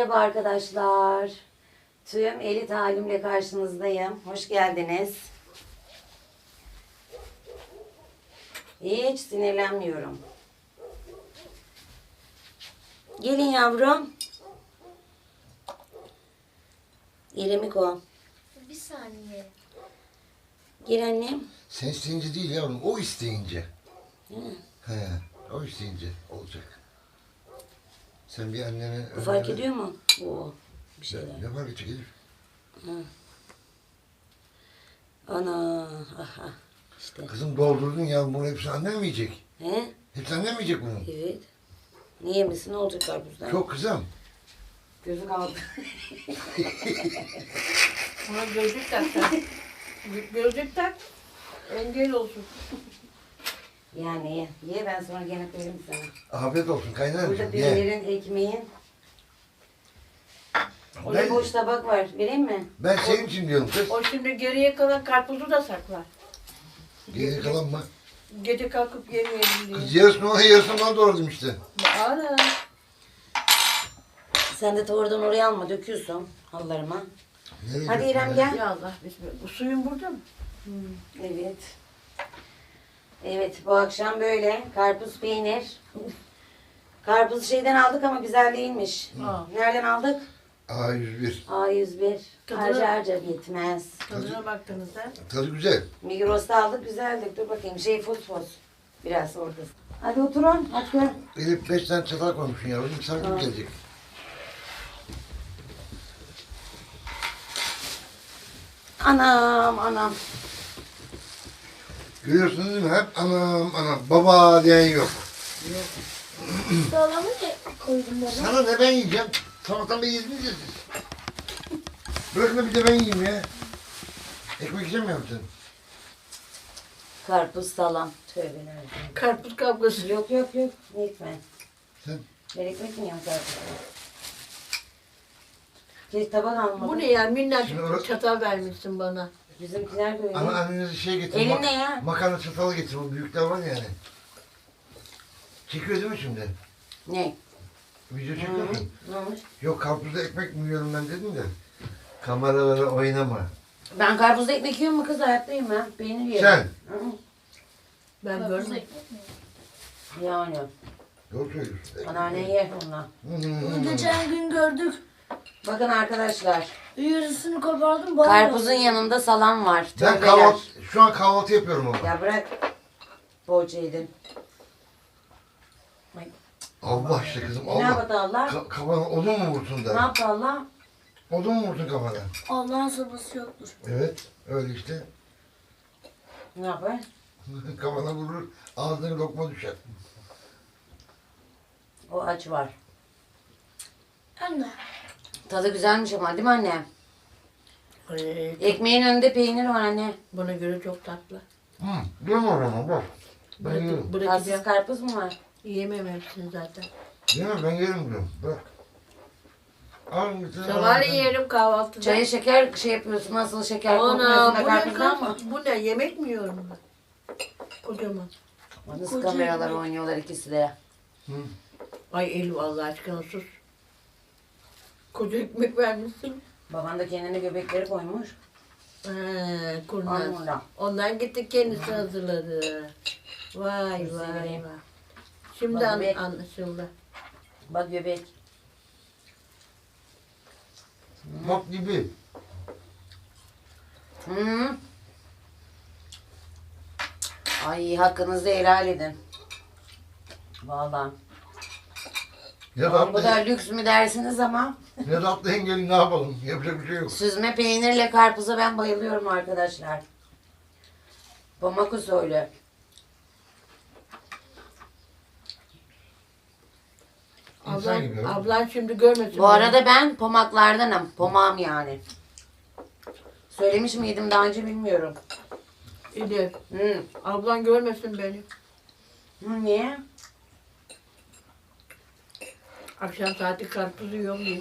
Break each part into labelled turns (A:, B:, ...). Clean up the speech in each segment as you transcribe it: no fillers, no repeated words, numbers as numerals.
A: Merhaba arkadaşlar. Tüm elit halimle karşınızdayım. Hoş geldiniz. Hiç sinirlenmiyorum. Gelin yavrum. İremiko.
B: Bir saniye.
A: Gel annem.
C: Sen isteyince değil yavrum, o isteyince.
A: Hı.
C: He, o isteyince olacak. Sen bir annene...
A: Bu fark ediyor mu? Oo, bir şeyler.
C: Ne fark edecek Elif?
A: Ana. Aha. İşte.
C: Kızım doldurdun ya, bunu hepsini annen mi yiyecek?
A: He?
C: Hepsi annen mi yiyecek bunu?
A: Evet. Niye misin? Ne olacak karpuzdan?
C: Çok kızım.
A: Gözü kaldı.
D: Ona gözlük tak sen. Gözlük tak. Engel olsun.
A: Yani ye ben sonra gene koyarım sana.
C: Afiyet olsun
A: Burada
C: kaynanacığım, ye.
A: peynirin, ekmeğin. Orada
C: Ben,
A: boş tabak var. Vereyim mi?
C: ben senin için diyorum kız.
D: O şimdi geriye kalan karpuzu da saklar.
C: Geri kalan mı?
D: Gece kalkıp yemeyelim diye.
C: Kız yarısını ona yarısını bana doğradım işte.
D: Ana.
A: Sen de oradan oraya alma. Döküyorsun hallarıma.
C: Nereye
A: Hadi
C: döktün
A: İrem
C: ya?
A: gel.
D: Ya Allah bismillah. Bu suyun burada mı?
A: Evet. Evet bu akşam böyle karpuz peynir. Karpuz şeyden aldık ama güzel değilmiş.
D: Aa.
A: Nereden aldık?
C: A101.
A: A101.
D: Tadını-
A: Harca harca bitmez.
D: Tadına baktınız ha.
C: Tadı güzel.
A: Migros'ta aldık güzeldi. Dur bakayım fos. Biraz orada. Hadi oturun. Hadi.
C: Elif 5 tane çatal koymuşsun yavrum. Misafir
A: Aa.
C: gelecek.
A: Anam.
C: Görüyorsunuz değil mi? Hep anam anam. Baba diyen yok.
B: Dolabı ne koydun bana?
C: Sana ne ben yiyeceğim? Sabahtan beri yediniz ya siz. Bırakın da bir de ben yiyeyim ya. Ekmek yiyecek mi sen?
A: Karpuz salam. Tövbe nerede?
D: Karpuz kavgası.
A: Yok. Ne ekmek?
C: Sen?
A: Ben ekmek mi yiyorum karpuz? Keşke tabak almadım.
D: Bu ne ya? Minnacık
C: Şimdi orası-
D: çatal vermişsin bana.
A: Bizimkiler de öyle.
C: Ama annenize şey getir.
A: Elin ne ya?
C: Makarna çatalı getir. O büyükler var ya yani. Çekiyor değil mi şimdi?
A: Ne?
C: Video çekiyor musun?
A: Ne olmuş?
C: Yok karpuzda ekmek mi yiyorum ben dedim de. Kameralara oynama.
A: Ben karpuzda ekmek yiyorum mu kız? Hayattayım ben. Peynir yiyorum.
C: Sen.
A: Hı.
D: Ben
B: Karpuz
D: görmedim.
B: ekmek mi?
A: Yani.
C: Doğru söylüyorsun.
A: Anneanne yer onunla.
B: Bunu geçen gün gördük.
A: Bakın arkadaşlar.
B: Yarısını kopardım. Bana
A: Karpuzun yanında salam var.
C: Ben
A: Tövbeler.
C: şu an kahvaltı yapıyorum ama.
A: Ya bırak. Poğaça yedin.
C: Allah işte kızım
A: Ne
C: Allah.
A: yaptı Allah?
C: Kafana odun mu vursun
A: Ne
C: da?
A: yaptı Allah?
C: Odun mu vursun kafana?
B: Allah'ın sabası yoktur.
C: Evet öyle işte.
A: Ne yapar?
C: Kafana vurur ağzına lokma düşer.
A: O aç var.
B: Anne.
A: Tadı güzelmiş ama değil mi anne?
D: Ay,
A: Ekmeğin önünde peynir var anne.
D: bana göre çok tatlı.
C: Değil mi o zaman bak. Ben yerim.
A: Tatsız
D: Bırakacağım.
A: karpuz mu var?
D: Yiyemem hepsini zaten.
C: Değil mi? Ben yerim diyorum. Bak. Al bir tane.
D: Sabahleyin yerim kahvaltıda.
A: Çaya şeker şey yapıyorsun. Nasıl şeker
D: Ana
A: koymuyorsun da
D: bu ne
A: karpuzdan mı?
D: kız? Bu ne? Yemek mi yiyorum ben? Kocaman.
A: Nasıl
B: Koca
A: kameralar
B: ekmek.
A: oynuyorlar ikisi de.
C: Hı.
D: Ay Elif Allah aşkına sus. Koca ekmek vermişsin.
A: Baban da kendine göbekleri koymuş.
D: Kurnaz.
A: Ondan.
D: Ondan gitti kendisi hazırladı. Vay
A: Güzel
D: vay
A: vereyim.
D: vay. Şimdi
A: Bak be.
D: anlaşıldı.
A: Bak göbek.
C: Bak gibi.
A: Hı. Ay hakkınızı helal edin. Vallahi.
C: Ne
A: Tamam, bu
C: tatlı,
A: da lüks mü dersiniz ama
C: ne tatlı engelin ne yapalım? Yapacak bir şey yok.
A: süzme peynirle karpuza ben bayılıyorum arkadaşlar. Pomak usulü.
C: İnsan gibi.
D: Ablan şimdi görmesin.
A: Bu arada ben pomaklardanım. Pomağım yani. Söylemiş miydim daha önce bilmiyorum.
D: Elif,
A: Hı.
D: ablan görmesin beni.
A: Hı, niye?
D: Akşam saati karpuz yiyorum diye.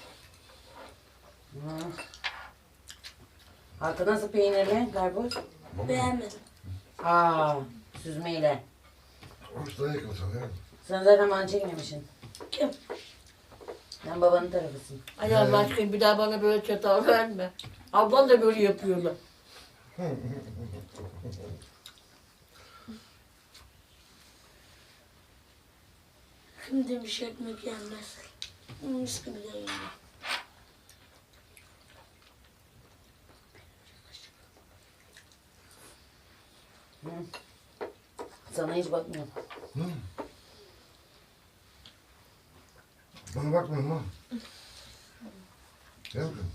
A: Hı. Hakkı nasıl peynirli karpuz?
B: Beğenmedim.
A: Aa, süzmeyle.
C: Hoşuna yakın sana.
A: Sen zaten bana çekmemişsin.
B: Kim?
A: Sen babanın tarafısın.
D: Ay Allah aşkına bir daha bana böyle çatal verme. Ablam da böyle yapıyorlar.
B: Kim demiş ekmek yenmez. Mis gibi de yiyor.
A: Sana hiç bakmıyorum.
C: Hı. Bana bakmıyorum ha. Gel bakayım.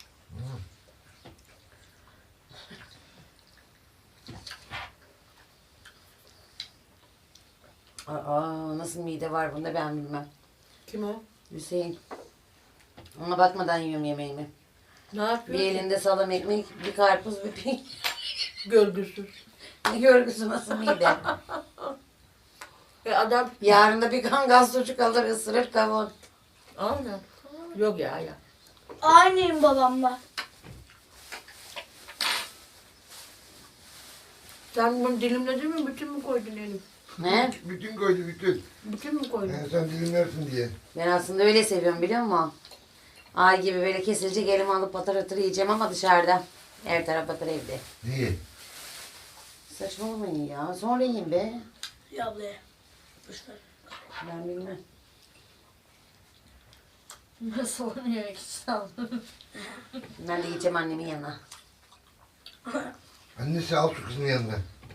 A: Aa, nasıl mide var bunda ben bilmem.
D: Kim o?
A: Hüseyin. Ona bakmadan yiyorum yemeğimi.
D: Ne yapıyor?
A: Bir elinde salam ekmek, bir karpuz, bir peynir.
D: Görgüsüz.
A: Ne görgüsü nasıl mide?
D: Adam
A: Yarın da bir kangal sucuk alır ısırır kavun.
D: aynen. Yok ya.
B: Aynıyım babamla.
D: Sen bunu dilimledin mi? Bütün mü koydun Elif?
A: Ne?
C: Bütün koydu bütün.
D: Bütün mü koydun?
C: Sen dilimlersin diye.
A: Ben aslında öyle seviyorum biliyor musun? Ay gibi böyle kesilecek elime alıp patır patır yiyeceğim ama dışarıda. Her taraf patır evde.
C: Niye?
A: Saçmalamayın ya. Sonra yiyin be.
B: Ya ablaya. Boşver.
A: Ben bilmem.
E: Nasıl onu yemek istedim?
A: Ben de gideceğim annemin yanına.
C: Annesi al şu kızın yanına.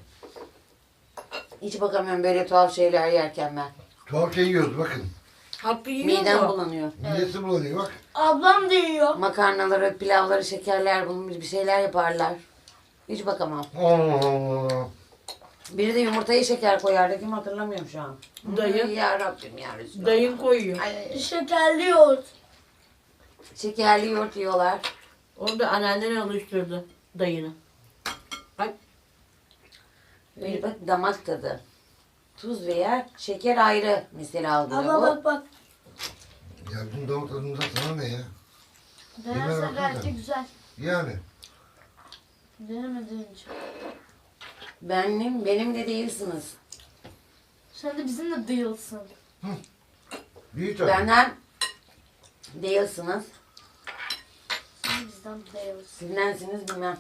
A: Hiç bakamıyorum böyle tuhaf şeyler yerken ben.
C: Tuhaf şey yiyoruz bakın.
D: Hakkı yiyor
A: Midem
D: mu?
A: bulanıyor.
C: Midesi bulanıyor bak.
B: Ablam da yiyor.
A: Makarnaları, pilavları, şekerler bulmuş bir şeyler yaparlar. Hiç bakamam.
C: Allah Allah.
A: Biri de yumurtaya şeker koyardı. Kim hatırlamıyorum şu an.
D: Dayı.
A: Ya Rabbim ya Resulallah.
D: Dayın koyuyor.
A: Ay,
B: Şekerli yoğurt.
A: şekerli yoğurt yiyorlar.
D: Onu da anneannen alıştırdı dayını. Ay
A: Böyle bak damak tadı. Tuz veya şeker ayrı mesela alıyor.
B: Abla
A: O
B: bak bak.
C: Ya bunun damak tadımıza sana ne ya?
E: Denersen
C: baksana.
E: gayet de güzel.
C: Yani.
E: Denemediğin için.
A: benim de değilsiniz.
E: Sen de bizimle değilsin.
C: Büyük tabii.
A: Benden değilsiniz.
E: Sen bizden değilsin.
A: Sizlensiniz bilmem.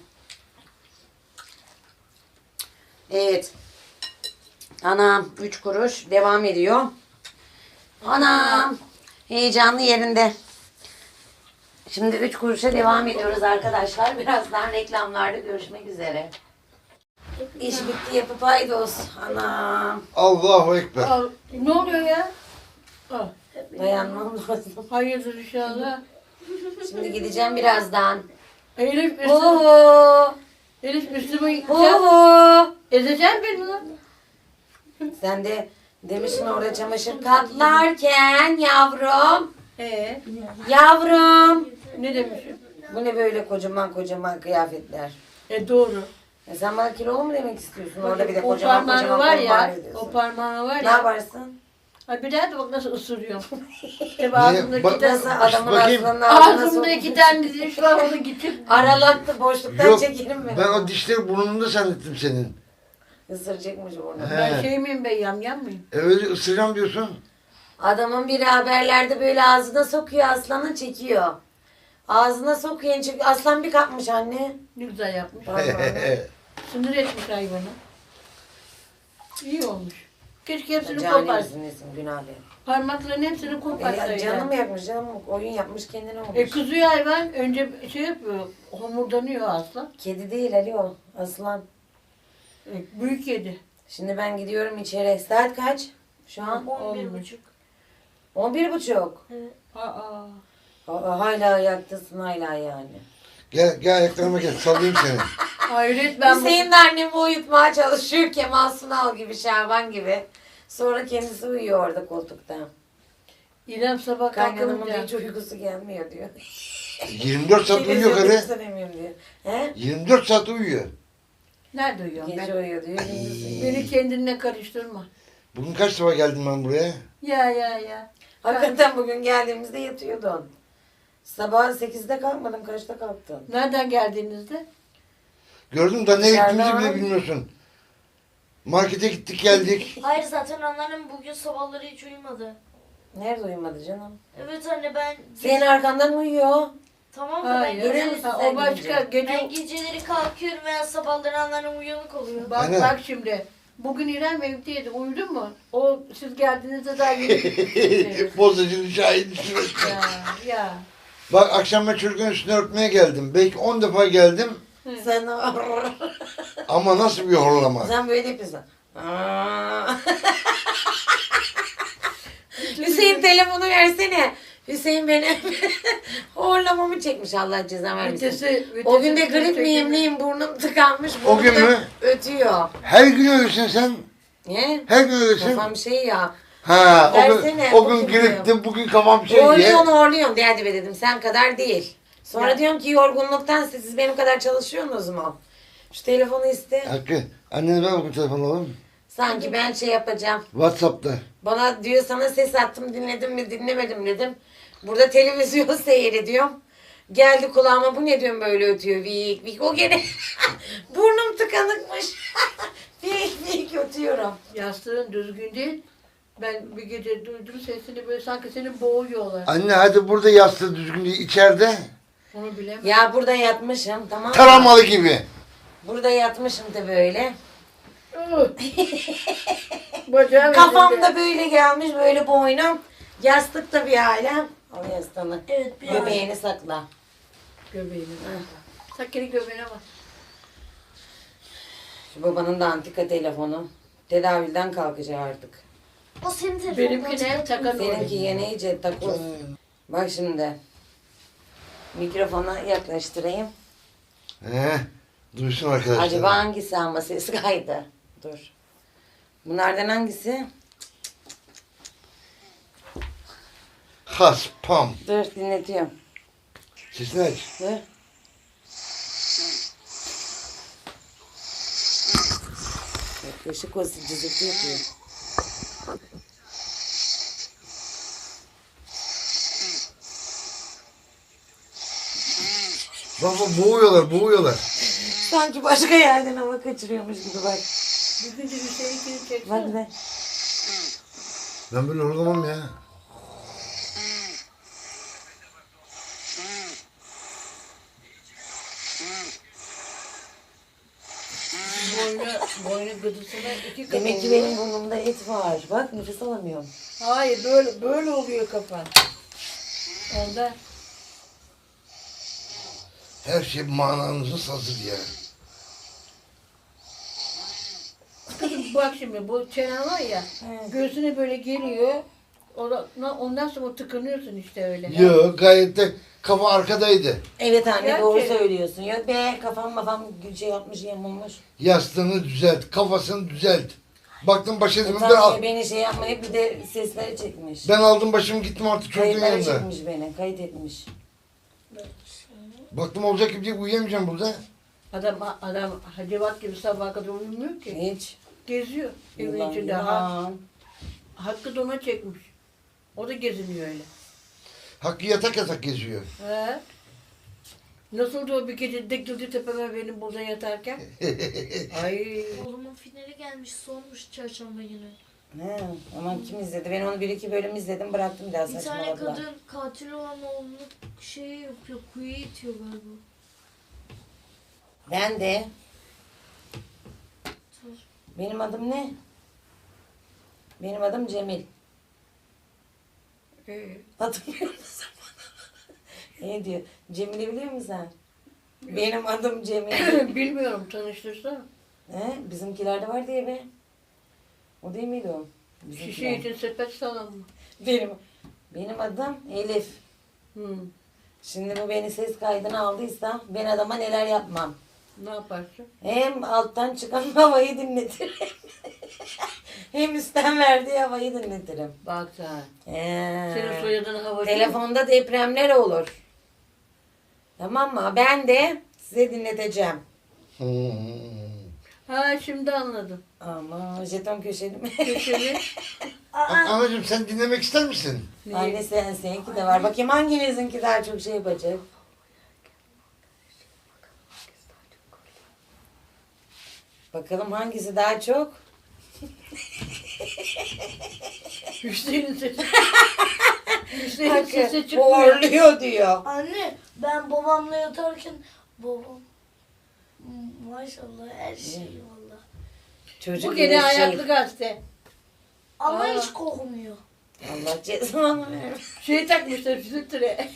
A: Evet. Anam 3 kuruş devam ediyor. Anam heyecanlı yerinde. Şimdi 3 kuruşa devam ediyoruz arkadaşlar. Birazdan reklamlarda görüşmek üzere. İş bitti yapıp haydos. Anam.
C: Allahu Ekber.
D: al. Ne oluyor ya? Al.
A: Dayanmam lazım.
D: Hayırdır inşallah.
A: Şimdi gideceğim birazdan.
D: Elif Müslüman.
A: Oho.
D: Elif Müslüman.
A: Oho.
D: Ezeceksin beni lan.
A: Sen de demişsin orada çamaşır katlarken yavrum. Yavrum.
D: Ne demişim?
A: Bu ne böyle kocaman kocaman kıyafetler?
D: Doğru.
A: Sen bana kilolu mu demek istiyorsun? Orada bir de
D: O
A: kocaman
D: parmağı
A: kocaman
D: var
A: kollar
D: ya.
A: ediyorsun.
D: O parmağı var
A: Ne
D: ya.
A: yaparsın?
D: Ay bir daha da bak nasıl ısırıyorum. Hep ağzımda
C: Bak-
D: iki tane.
A: Nasıl adamın
C: bakayım.
A: ağzının ağzına
D: Ağzımda iki
A: sokmuş.
D: tane diş var onu gidip.
A: Aralattı boşluktan
C: Yok.
A: çekelim mi?
C: Ben o dişleri burnunda zannettim senin.
A: Isıracakmış burnu.
D: Ben
C: He.
D: şey miyim be yamyam mıyım?
C: Öyle ısıracağım diyorsun.
A: Adamın biri haberlerde böyle ağzına sokuyor aslanı çekiyor. Ağzına sokuyor çünkü aslan bir kapmış anne.
D: Ne güzel yapmış.
A: Vallahi.
D: Sınır etmiş hayvanı. İyi olmuş. Keşke hepsini
A: Cani
D: kopar.
A: misin nesin günahlı.
D: Parmakların hepsini koparsaydı.
A: Canım mı yakmış canım mı? Oyun yapmış kendine olmuş.
D: Kızıyor hayvan. Önce şey yapıyor. Homurdanıyor aslan.
A: Kedi değil Ali o. Aslan.
D: Büyük yedi.
A: Şimdi ben gidiyorum içeri. Saat kaç? Şu an
B: 11.30.
A: 11.30.
D: Aa.
A: Aa, hala ayaktasın hala yani.
C: Gel ayaklarıma gel. Sallayayım seni.
D: Hayret ben bu...
A: Hüseyin de annemi uyutmaya çalışıyor. Kemal Sunal gibi, Şaban gibi. Sonra kendisi uyuyor orada koltukta.
D: İrem sabah
A: Kaynanamın
D: kalkınca.
A: hiç uykusu gelmiyor diyor.
C: 24 saat uyuyor
A: Televizyonda
C: karı.
A: izlemiyorum diyor. He?
C: 24 saat uyuyor.
D: Nerede uyuyorum
A: Gece
D: ben?
A: uyuyor diyor. Gündüz uyuyor.
D: Beni kendine karıştırma.
C: Bugün kaç defa geldim ben buraya?
D: Ya.
A: Hakikaten bugün geldiğimizde yatıyordun. Sabah 8'de kalkmadın. Kaçta kalktın?
D: Nereden geldiğinizde?
C: Gördün da ne
A: Dışarıda
C: gittiğimizi bile
A: var.
C: bilmiyorsun. Markete gittik geldik.
E: Hayır zaten onların bugün sabahları hiç uyumadı.
A: Nerede uyumadı canım?
E: Evet anne ben...
A: Senin arkandan uyuyor.
E: Tamam da ben,
D: Hayır.
A: Görüyor musun
D: Ha,
A: sen
D: o başka
A: gidince?
D: gece.
E: ben geceleri kalkıyorum veya sabahları anneannem uyanık oluyor.
D: Bak
C: Anne.
D: bak şimdi. Bugün İrem evdeydi. Uyudun mu? O siz geldiğinizde daha yeni.
C: Bozacının şahidi sürekli.
D: ya.
C: Bak akşam ben çocuğun üstüne örtmeye geldim. Belki 10 defa geldim
A: Sen
C: ama nasıl bir horlama.
A: sen böyle yapıyorsun. Aa. Hüseyin telefonu versene. Hüseyin benim horlamamı çekmiş, Allah ceza vermesin. O gün de grip miyim neyim, burnum tıkanmış.
C: O gün
A: burnum da
C: mü?
A: ötüyor.
C: Her gün öylesin sen.
A: Ne?
C: Her gün öylesin.
A: Kafam şey ya.
C: Ha,
A: Versene,
C: o gün
A: bakayım
C: griptim, bugün kafam şey diye.
A: Horluyorsun derdi be dedim. Sen kadar değil. Sonra
D: Ya.
A: diyorum ki yorgunluktan siz benim kadar çalışıyorsunuz mu? Şu telefonu iste.
C: Hakkı, annene ver bakayım telefonu oğlum.
A: Sanki ben şey yapacağım.
C: Whatsapp'ta.
A: Bana diyor sana ses attım, dinledin mi dinlemedim dedim. Burada televizyon seyrediyorum. Geldi kulağıma, bu ne diyorum böyle ötüyor vik vik. O gene burnum tıkanıkmış. Vik vik ötüyorum.
D: Yastığın düzgün değil. Ben bir gece duydum sesini böyle sanki seni boğuyorlar.
C: Anne hadi burada yastığı düzgün değil, içeride.
D: Onu bilemem.
A: Ya burada yatmışım, tamam mı?
C: Taramalı gibi.
A: Burada yatmışım da böyle.
D: Bacağım
A: Kafamda böyle gelmiş, böyle boynum. Yastıkta bir hala. Al yastığını.
E: Evet bir
A: Göbeğini sakla.
D: Göbeğine. Sakini göbeğine bak.
A: Şu babanın da antika telefonu. Tedavülden kalkacak artık.
E: O senin telefonun.
D: Benimki ne? Takan
A: Seninki yine iyice takoz. Bak şimdi. Mikrofona yaklaştırayım.
C: Duysun arkadaşlar.
A: Acaba hangisi ama ses kaydı? Dur. Bunlardan hangisi?
C: Haspam.
A: Dur dinletiyorum.
C: Sesini aç.
A: Dur. Yaklaşık olsun, cızırtı yapıyor.
C: Baba boğuyorlar.
A: Sanki başka yerden hava kaçırıyormuş gibi bak.
D: Bir gün de Hüseyin'kini
A: Bak
D: çeksene.
A: be.
C: Ben böyle horlamam ya.
D: Boynu gıdısına iki kafa
A: Demek ki
D: oluyor.
A: benim burnumda et var. Bak nefes alamıyorum.
D: Hayır böyle oluyor kafan. Onda
C: Her şey mananızı hazır ya.
D: kızım bak şimdi bu çenen var ya göğsüne böyle geliyor. Ondan sonra tıkanıyorsun işte öyle.
C: Yok gayet de kafa arkadaydı.
A: Evet anne
D: Gerçi-
A: doğru söylüyorsun. Yok be kafam şey yapmış yamulmuş.
C: Yastığını düzelt, kafasını düzelt. Baktım baş etmedim ben,
A: Utanmıyor beni şey yapmayıp bir de sesleri çekmiş.
C: ben aldım başımı gittim artık çocuğun
A: Kayıtları
C: yanına.
A: çekmiş beni. Kayıt etmiş.
C: Baktım olacak gibi değil, uyuyamayacağım burada.
D: Adam hacivat gibi sabaha kadar uyumuyor ki.
A: Hiç.
D: Geziyor evin
A: Yılan,
D: içinde.
A: yılan.
D: Hakkı dona çekmiş. O da geziniyor öyle.
C: Hakkı yatak geziyor.
D: He. Nasıldı o bir gece dikildi tepeme benim burada yatarken? Ay.
E: Oğlumun finali gelmiş sonmuş çarşamba günü.
A: He, aman kim izledi? Ben onu bir iki bölüm izledim, bıraktım daha
E: Bir tane
A: saçmaladılar.
E: kadın katil olan oğlunu şey yapıyor, kuyuya itiyor galiba.
A: Ben de. Benim adım ne? Benim adım Cemil. Hatırlıyor musun? Ne diyor? Cemil'i biliyor musun sen? Benim adım Cemil.
D: Bilmiyorum tanıştırsana.
A: He? Bizimkilerde var diye be. O değil miydi o?
D: Şişe
A: Bizimkiler.
D: için sepet salam mı?
A: Benim adım Elif.
D: Hı.
A: Şimdi bu beni ses kaydına aldıysa ben adama neler yapmam.
D: Ne yaparsın?
A: Hem alttan çıkan havayı dinletirim. Hem üstten verdiği havayı dinletirim.
D: Bak sen.
A: He.
D: Senin soyadın havacı.
A: Telefonda depremler olur. Tamam mı? Ben de size dinleteceğim.
D: Ha şimdi anladım.
A: Ama jeton köşeli mi?
D: Köşeli.
C: Anacığım sen dinlemek ister misin?
A: Anne seninki de var. Bakayım hanginizinki daha çok şey yapacak. Bakalım hangisi daha çok?
D: Hüseyin'in sesi. Hüseyin
A: Hakkı
D: sesi çıkmıyor.
A: horluyor diyor.
B: Anne ben babamla yatarken babam maşallah her şey valla.
A: Çocuk
D: Bu gene
A: bir şey.
D: ayaklı gazete.
B: Ama
D: Aa.
B: hiç kokmuyor.
A: Allah cezanı versin.
D: Şey takmışlar filtre.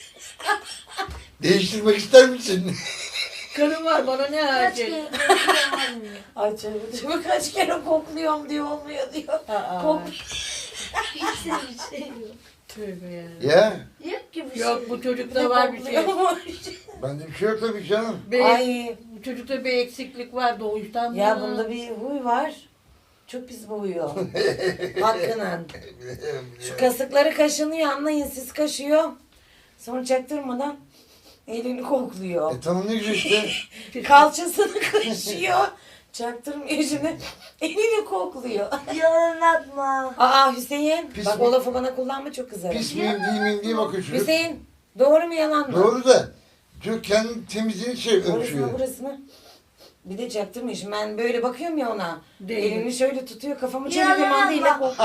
C: Değiştirmek ister misin?
D: Karım var bana ne
B: Kaç
D: acil.
B: kere kokmuyor.
A: Ay çocuk kaç kere kokluyorum diyor olmuyor diyor.
D: Aa.
B: Hiç de bir şey yok.
D: Tövbe ya.
C: Ya
B: Yok ki bir
D: Yok
B: şey.
D: bu çocukta var bir şey.
C: bende bir şey yok tabii canım.
A: Ay
D: Bu çocukta bir eksiklik var doğuştan.
A: ya
D: mı?
A: bunda bir huy var. Çok pis bu huyu. Hakkının. Şu kasıkları kaşınıyor anlayın siz kaşıyor. Sonra çaktırmadan elini kokluyor.
C: Tamam ne güzel işte.
A: Kalçasını kaşıyor. Çaktırmıyor şimdi. Elini kokluyor.
B: Yalan atma.
A: Aa Hüseyin.
C: Pis
A: Bak
C: mi?
A: o lafı bana kullanma çok kızarım.
C: Pis miyim değil miyim diye bakıyor çocuk.
A: Hüseyin doğru mu yalan mı?
C: Doğru da. Çocuk kendi temizliğini şey
A: Orasını
C: ölçüyor.
A: burasını. Bir de çaktırmıyor. Şimdi ben böyle bakıyorum ya ona.
D: Değil.
A: Elini şöyle tutuyor kafamı
B: Yalan
A: çevirdiğim andıyla.
B: atma.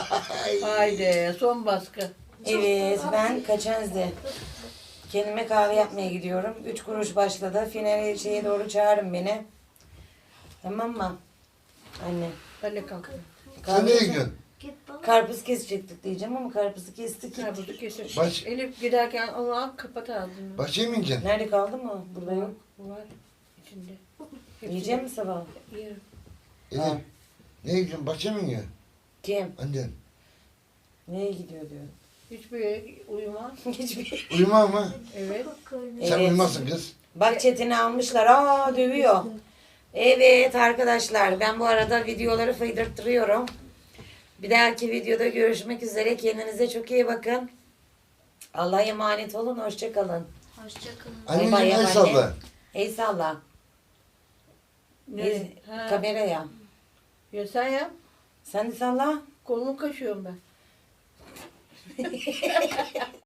D: Haydi son baskı.
A: Evet ben kaçenzde. Kendime kahve yapmaya gidiyorum. 3 kuruş başladı. Finale şeye doğru çağırın beni. Tamam mı? Anne.
D: Hadi kalk.
C: Sen nereye gidiyorsun?
B: Git baba.
A: Karpuz kesecektik diyeceğim ama karpuzu kestik.
D: Karpuzu kesin.
C: Baş-
D: Elif giderken onu al kapat ağzını.
C: Bahçeye mi ineceksin?
A: Nerede kaldı mı? Burada yok.
D: Var içinde.
A: Yiyecek mi sabah?
D: Yerim.
C: Elif.
A: Ha.
C: Nereye gidiyorsun? Bahçeye mi iniyorsun?
A: Kim?
C: Annen.
A: Nereye gidiyor diyor.
D: Hiçbir yere uyuma.
A: Hiçbir.
C: Uyuma mı?
D: Evet.
C: Sen
A: Evet.
C: uyumazsın kız.
A: Bak Çetin'i almışlar. Aa dövüyor. Evet arkadaşlar ben bu arada videoları fıydırttırıyorum. Bir dahaki videoda görüşmek üzere. Kendinize çok iyi bakın. Allah'a emanet olun. Hoşça kalın.
B: Hoşçakalın.
C: Anneciğim
A: bay
C: el
A: anne.
C: salla.
A: Ey salla.
D: Ne? Ha.
A: Kameraya.
D: Ya sen yap.
A: Sen de salla.
D: Kolumu kaşıyorum ben.